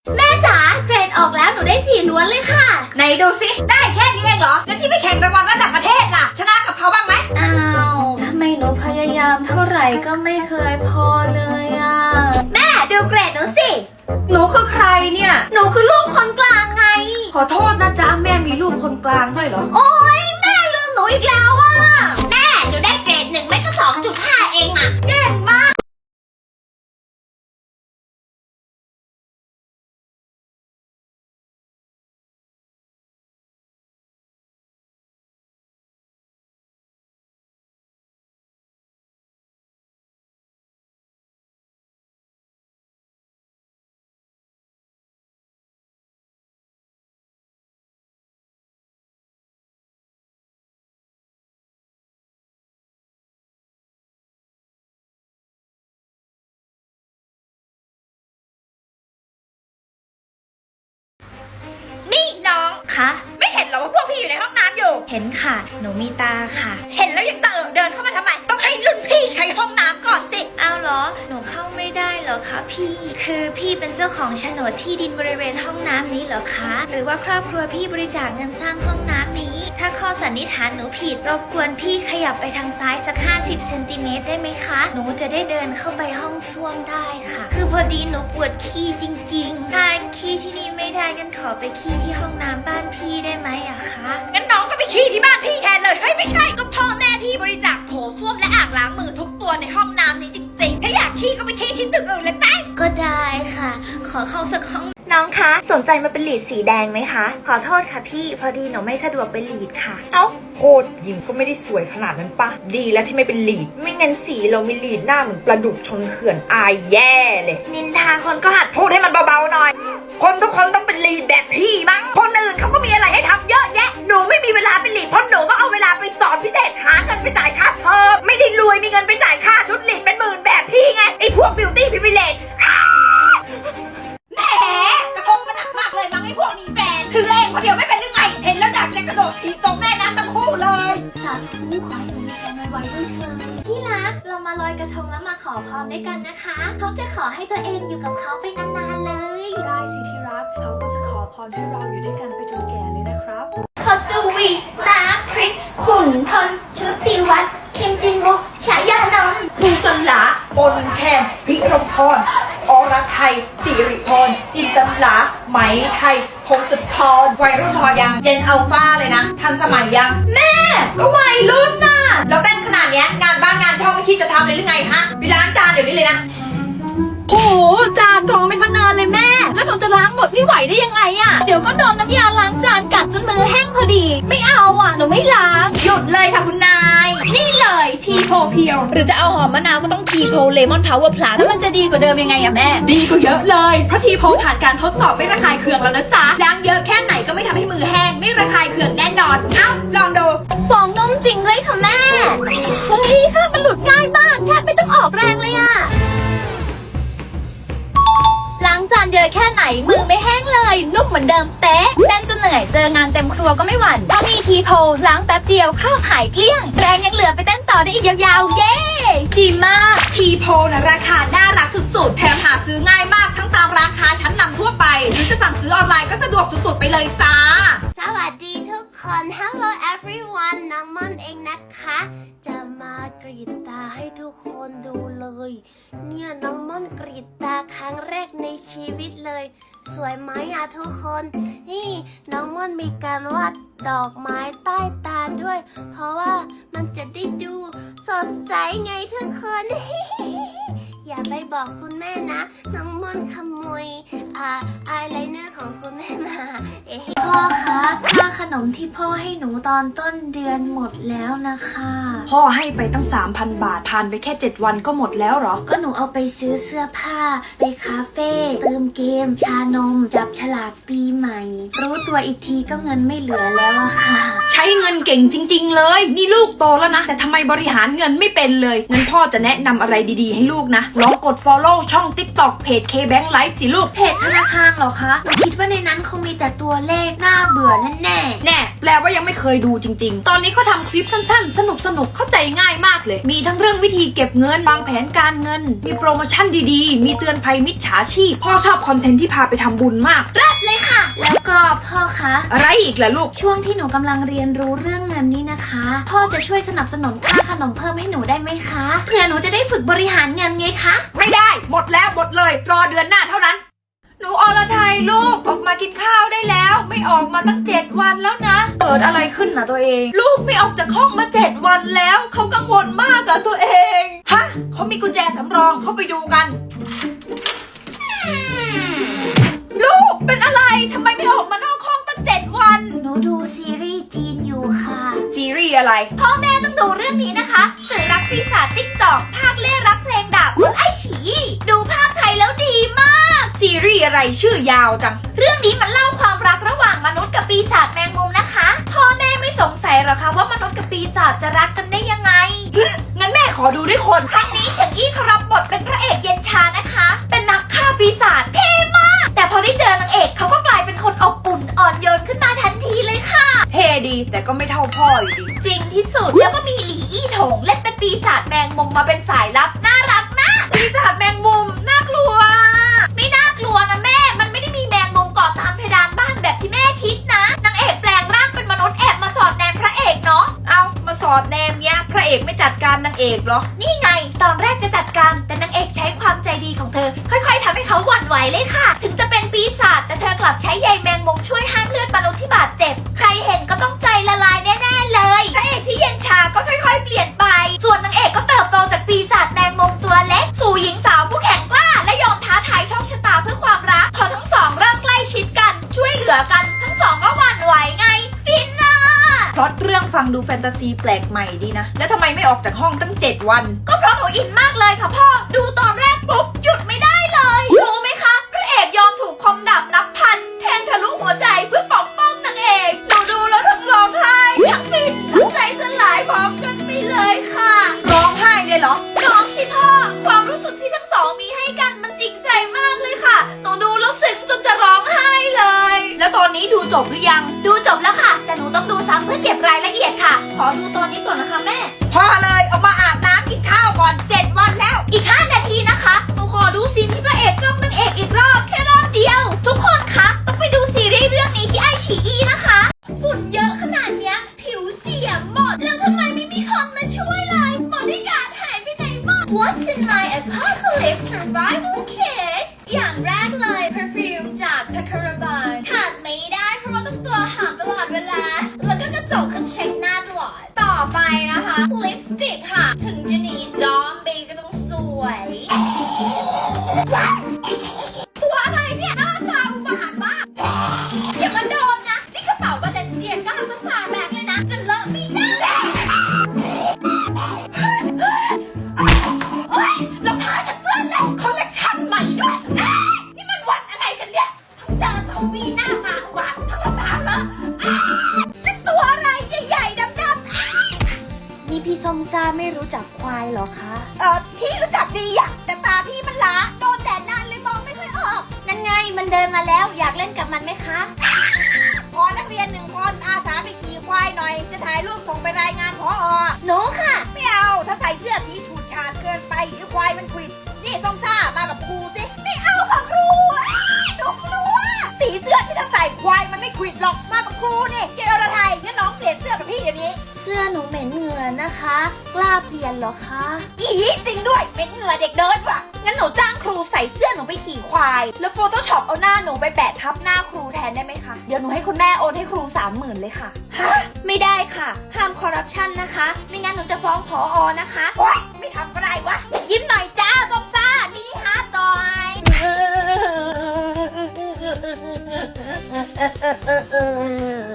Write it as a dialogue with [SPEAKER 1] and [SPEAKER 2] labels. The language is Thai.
[SPEAKER 1] แม่จ๋าเกรดออกแล้วหนูได้4ล้วนเลยค่ะไหนดูสิได้แค่นี้เองเหรอแล้วที่ไปแข่งรางวัลระดับประเทศล่ะชนะกับเขาบ้างไหมอ้าวทำไมหนูพยายามเท่าไหร่ก็ไม่เคยพอเลยอ่ะแม่ดูเกรดหนูสิหนูคือใครเนี่ยหนูคือลูกคนกลางไง
[SPEAKER 2] ขอโทษนะจ๊ะแม่มีลูกคนกลางด้วยเหรอ
[SPEAKER 1] โอ๊ยแม่ลืมหนูอีกแล้วอ่ะแม่หนูได้เกรด1ไม่ก็ 2.5 เองอ่ะเก่งมากนี่น้องคะไม่เห็นเหรอว่าพวกพี่อยู่ในห้องน้ำอยู่เห็นค่ะหนูมีตาค่ะเห็นแล้วยังจะเดินเข้ามาทำไมต้องให้รุ่นพี่ใช้ห้องน้ำก่อนสิเอาเหรอหนูเข้าไม่ได้เหรอคะพี่คือพี่เป็นเจ้าของโฉนดที่ดินบริเวณห้องน้ำนี้เหรอคะหรือว่าครอบครัวพี่บริจาคเงินสร้างห้องน้ำนี้ถ้าข้อสันนิษฐานหนูผิดรบกวนพี่ขยับไปทางซ้ายสัก50 เซนติเมตรได้ไหมคะหนูจะได้เดินเข้าไปห้องส้วมได้ค่ะคือพอดีหนูปวดขี้จริงๆถ้าขี้ที่นี่ไม่ได้งั้นขอไปขี้ที่ห้องน้ำบ้านพี่ได้ไหมอะคะงั้นน้องก็ไปขี้ที่บ้านพี่แทนเลยเฮ้ยไม่ใช่ก็พ่อแม่พี่บริจาคโถส้วมและอ่างล้างมือทุกตัวในห้องน้ำนี้จริงๆถ้าอยากขี้ก็ไปขี้ที่ตึกอื่นเลยไปก็ได้ค่ะ ขอเข้าสักห้องน้องคะสนใจมาเป็นลีดสีแดงไหมคะขอโทษค่ะพี่พอดีหนูไม่สะดวกเป็นลีดค่ะ
[SPEAKER 2] เอ้าโคตรยิงก็ไม่ได้สวยขนาดนั้นปะดีแล้วที่ไม่เป็นลีดไม่งั้นสีเรามีลีดหน้าเหมือนปลาดุกชนเขื่อนอายแย่เลย
[SPEAKER 1] นินทาคนก็หัด
[SPEAKER 2] พูดให้มันเบาๆหน่อยคนทุกคนต้องเป็นลีดแบบพี่มั้งคนอื่นเขาก็มีอะไรให้ทำเยอะแยะหนูไม่มีเวลาเป็นลีดเพราะหนูก็เอาเวลาไปสอนพิเศษหาเงินไปจ่ายค่าเทอมไม่ได้รวยมีเงินไปจ่ายค่าชุดลีดเป็นหมื่นแบบพี่ไงไอ้พวกบิวตี้พรีวิเลจ
[SPEAKER 1] แหมกระทงมันหนักมากเลยมั้งไอ้พวกมีแฟนถือเองคนเดียวไม่เป็นหรือไงเห็นแล้วอยากจะกระโดดถีบตรงแม่น้ำทั้งคู่เลยสาธุขอให้หนูมีแฟนไวๆด้วยเถิดที่รักเรามาลอยกระทงแล้วมาขอพรด้วยกันนะคะเขาจะขอให้ตัวเองอยู่กับเขาไปนานๆเลย
[SPEAKER 3] ได้สิที่รักเขาก็จะขอพรให้เราอยู่ด้วยกันไปจนแก่เลยนะครับ
[SPEAKER 1] พอสวีนาคริสหุ่นทนชุติวัฒน์คิมจินโกฉายานนท์
[SPEAKER 2] ครูสลาปนแคนพิรมพรอรไทยสิริพรจินตลาไหมไทยพงศธรวัยรุ่นพอยังเจนอัลฟาเลยนะทันสมัยยังแม่ก็วัยรุ่นน่ะแล้วเต้นขนาดเนี้ยงานบ้านงานช่องไม่คิดจะทำเลยหรือไงฮะไปล้างจานเดี๋ยวนี้เลยนะ
[SPEAKER 1] โอ้จานกองเป็นพนันเลยแม่แล้วหนูจะล้างหมดไม่ไหวได้ยังไงอะเดี๋ยวก็โดนน้ำยาล้างจานกัดจนมือแห้งพอดีไม่เอาอะหนูไม่ล้างหยุดเลยค่ะคุณนายนี่เลยทีโพเพียวหรือจะเอาหอมมะนาวก็ต้องทีโพเลมอนพาวเวอร์พลัสแล้วมันจะดีกว่าเดิมยังไงอะแม่
[SPEAKER 2] ดีกว่าเยอะเลยเพราะทีโพผ่านการทดสอบไม่ระคายเคืองแล้วนะจ๊ะล้างเยอะแค่ไหนก็ไม่ทำให้มือแห้งไม่ระคายเคืองแน่นอนเอ้าลองดู
[SPEAKER 1] ฟองนมจริงเลยค่ะแม่เฮ้ยค่ะมันหลุดง่ายมากแทบไม่ต้องออกแรงเลยอะล้างจานเยอะแค่ไหนมือไม่แห้งเลยนุ่มเหมือนเดิมเป๊ะเต้นจนเหนื่อยเจองานเต็มครัวก็ไม่หวั่นเพราะมีทีโพล้างแป๊บเดียวคราบหายเกลี้ยงแรงยังเหลือไปเต้นต่อได้อีกยาวๆเย้
[SPEAKER 2] ดีมากทีโพนะราคาน่ารักสุดๆแถมหาซื้อง่ายมากทั้งตามร้านค้าชั้นนำทั่วไปหรือจะสั่งซื้อออนไลน์ก็สะดวกสุดๆไปเลยจ้า
[SPEAKER 1] สวัสดีทุกคน Hello everyone น้องม่อนเองนะคะจะมากรีดตาให้ทุกคนดูเลยเนี่ยน้องม่อนกรีดตาครั้งแรกในชีวิตเลยสวยไหมอะทุกคนนี่น้องม่อนมีการวาดดอกไม้ใต้ตาด้วยเพราะว่ามันจะได้ดูสดใสไงทุกคน อย่าไปบอกคุณแม่นะน้องม่อนขโมยอายไลเนอร์ของคุณแม่มาพ่อคะค่าขนมที่พ่อให้หนูตอนต้นเดือนหมดแล้วนะคะ
[SPEAKER 2] พ่อให้ไปตั้ง 3,000 บาทผ่านไปแค่7วันก็หมดแล้วเหรอ
[SPEAKER 1] ก็หนูเอาไปซื้อเสื้อผ้าไปคาเฟ่เติมเกมชานมจับฉลากปีใหม่รู้ตัวอีกทีก็เงินไม่เหลือแล้วอะค่ะ
[SPEAKER 2] ใช้เงินเก่งจริงๆเลยนี่ลูกโตแล้วนะแต่ทำไมบริหารเงินไม่เป็นเลยงั้นพ่อจะแนะนำอะไรดีๆให้ลูกนะลองกด follow ช่อง TikTok เพจ KBank Life สิลูก
[SPEAKER 1] เพจธนาคารเหรอคะหนูคิดว่าในนั้นคงมีแต่ตัวเลขน่าเบื่อแน่ๆ
[SPEAKER 2] แน่แปลว่ายังไม่เคยดูจริงๆตอนนี้เขาทำคลิปสั้นๆสนุกเข้าใจง่ายมากเลยมีทั้งเรื่องวิธีเก็บเงินวางแผนการเงินมีโปรโมชั่นดีๆมีเตือนภัยมิจฉาชีพพ่อชอบคอนเทนต์ที่พาไปทำบุญมาก
[SPEAKER 1] รัดเลยค่ะ แล้วก็พ่อคะ
[SPEAKER 2] อะไรอีกล่ะลูก
[SPEAKER 1] ช่วงที่หนูกำลังเรียนรู้เรื่องเงินนี้นะคะ พ่อจะช่วยสนับสนุนค่าขนมเพิ่มให้หนูได้ไหมคะเพื่อหนูจะได้ฝึกบริหารเงินไงคะ
[SPEAKER 2] ไม่ได้หมดแล้วหมดเลยรอเดือนหน้าเท่านั้นหนูอรไทยลูกออกมากินข้าวได้แล้วไม่ออกมาตั้ง7 วันแล้วนะเกิดอะไรขึ้นนะตัวเอง ลูกไม่ออกจากห้องมา7 วันแล้วเขากังวลมากอะตัวเองฮะเขามีกุญแจสำรองเขาไปดูกัน ลูกเป็นอะไรทำไมไม่ออกมานอกห้องตั้ง7 วัน
[SPEAKER 1] หนูดูซีรีส์จีนอยู่ค่ะ
[SPEAKER 2] ซีรีส์อะไร
[SPEAKER 1] พ่อแม่ต้องดูเรื่องนี้นะคะสื่อรักปีศาจจิ๊กจอกภาคเล่รักเพลงดาบบนไอฉีดูภาคไทยแล้วดีมาก
[SPEAKER 2] ซีรีส์อะไรชื่อยาวจัง
[SPEAKER 1] เรื่องนี้มันเล่าความรักระหว่างมนุษย์กับปีศาจแมงมุมนะคะ พ่อแม่ไม่สงสัยหรอคะว่ามนุษย์กับปีศาจจะรักกันได้ยังไง
[SPEAKER 2] งั้นแม่ขอดูด้วยคน
[SPEAKER 1] ครั้งนี้เฉิงอี้เขารับบทเป็นพระเอกเย็นชานะคะ เป็นนักฆ่าปีศาจเท่มาก แต่พอได้เจอนางเอกเขาก็กลายเป็นคนอบอุ่นอ่อนโยนขึ้นมาทันทีเลยค่ะ
[SPEAKER 2] เท่ดีแต่ก็ไม่เท่าพ่ออยู่ดี
[SPEAKER 1] จริงที่สุดแล้วก็มีหลี่อี้ถงเล่นเป็นปีศาจแมงมุมมาเป็นสายลับน่ารักมาก
[SPEAKER 2] ปีศาจแมงมุมน่ากลัว
[SPEAKER 1] ไม่น่ากลัวนะแม่ มันไม่ได้มีแมงมุมเกาะตามเพดานบ้านแบบที่แม่คิดนะนางเอกแปลงร่างเป็นมนุษย์แอบมาสอดแนมพระเอกเนาะ
[SPEAKER 2] เอามาสอดแนมเนี้ยพระเอกไม่จัดการนางเอกเหรอ
[SPEAKER 1] นี่ไง ตอนแรกจะจัดการแต่นางเอกใช้ความใจดีของเธอ ค่อยๆทำให้เขาหวั่นไหวเลยค่ะ ถึงจะเป็นปีศาจแต่เธอกลับใช้ใยแมงมุมช่วยห้ามเลือดมนุษย์ที่บาดเจ็บ ใครเห็นก็ต้องใจละลายแน่ๆเลยพระเอกที่เย็นชาก็ค่อยๆเปลี่ยนไป ส่วนนางเอกก็เติบโตจากปีศาจแมงมุมตัวเล็กสู่หญิงสาวผู้แข็งกล้าและยอมท้าทายโชคชะตาเพื่อความรักพอทั้งสองเริ่มใกล้ชิดกันช่วยเหลือกันทั้งสองก็หวั่นไหวไงฟินน่ะ
[SPEAKER 2] พล็อตเรื่องฟังดูแฟนตาซีแปลกใหม่ดีนะ แล้วทำไมไม่ออกจากห้องตั้ง7 วัน
[SPEAKER 1] ก็เพราะหนูอินมากเลยค่ะพ่อ ดูตอนแรกปุ๊บหยุดไม่ได้เลย รู้ไหมคะ พระเอกยอมถูกคมดาบนับพัน แทงทะลุหัวใจเพื่อปกป้องนางเอก หนูดูแล้วทั้งร้องไห้ทั้งฟินทั้งใจสลายพร้อมกันไปเลยค่ะ
[SPEAKER 2] ร้องไห้เลยเหรอ
[SPEAKER 1] ร้องสิพ่อ ความรู้สึกที่ทั้งสองมีให้กันมันจริงใจมากเลยค่ะ หนูดูแล้วซึ้งจนจะร้องไห้เลย
[SPEAKER 2] แล้วตอนนี้ดูจบหรือยัง
[SPEAKER 1] ดูจบแล้วค่ะ แต่หนูต้องดูซ้ำเพื่อเก็บรายละเอียดค่ะ ขอดูตอนนี้ก่อนนะคะแม่
[SPEAKER 2] พอเลยออกมาอาบน้ำกินข้าวก่อน7 วันแล้ว
[SPEAKER 1] อีก 5 นาทีนะคะ หนูขอดูซีนที่พระเอกจ้องนางเอกอีกรอบแค่รอบเดียว ทุกคนคะต้องไปดูซีรีส์เรื่องนี้ที่ไอฉีอีนะคะ ฝุ่นเยอะขนาดเนี้ยผิวเสียหมด แล้วทำไมไม่มีคนมาช่วยเลยบอดี้การ์ดหายไปไหนหมด What's in my apocalypse survival kit อย่างแรกเลย perfume จาก Pacaraban ขาดไม่ได้เพราะว่าต้องตัวหอมตลอดเวลา แล้วก็กระจกเครื่องเช็คหน้าตลอด ต่อไปนะคะ lipstick ค่ะ ถึงจะหนีซอมบี้ก็ต้องสวย ตัวอะไรเนี่ยหน้าตาอุบาทมากอย่ามาโดนนะ นี่กระเป๋าบาเลนเซียก้าภาษาแบกเลยนะ จะเลอะไม่ได้โอ๊ยรองเท้าฉันเปื้อนแล้วคอลเลคชั่นใหม่ด้วยนี่มันวันอะไรกันเนี่ยทั้งเจอซอมบี้หน้ามาอุบาททั้งรองเท้าเลอะนี่ตัวอะไรใหญ่ๆดำๆนี่พี่ส้มซ่าไม่รู้จักควายเหรอคะพี่รู้จักดีอะแต่ตาพี่มันล้าโดนแดดนานเลยมองไม่ค่อยออกนั่นไงมันเดินมาแล้วอยากเล่นกับมันไหมคะขอนักเรียน1 คนอาสาไปขี่ควายหน่อยจะถ่ายรูปส่งไปรายงานผอ.หนูค่ะไม่เอาถ้าใส่เสื้อสีฉูดฉาดเกินไปเดี๋ยวควายมันควิดนี่ส้มซ่ามากับครูสิไม่เอาค่ะครูหนูกลัวสีเสื้อที่ถ้าใส่ควายมันไม่ควิดหรอกมากับครูนี่เจอระไทยงั้นน้องเปลี่ยนเสื้อกับพี่เดี๋ยวนี้เสื้อหนูเหม็นเหงื่อนะคะกล้าเปลี่ยนเหรอคะอีจริงด้วยเหม็นเหงื่อเด็กเดินว่ะงั้นหนูจ้างครูใส่เสื้อหนูไปขี่ควายแล้วโฟโต้ช็อปเอาหน้าหนูไปแปะทับหน้าครูแทนได้ไหมคะเดี๋ยวหนูให้คุณแม่โอนให้ครู 30,000 เลยค่ะฮะไม่ได้ค่ะห้ามคอร์รัปชันนะคะไม่งั้นหนูจะฟ้องผอ.นะคะโอ๊ยไม่ทำก็ได้วะยิ้มหน่อยจ้าส้มซ่ามินิฮาร์ดหน่อย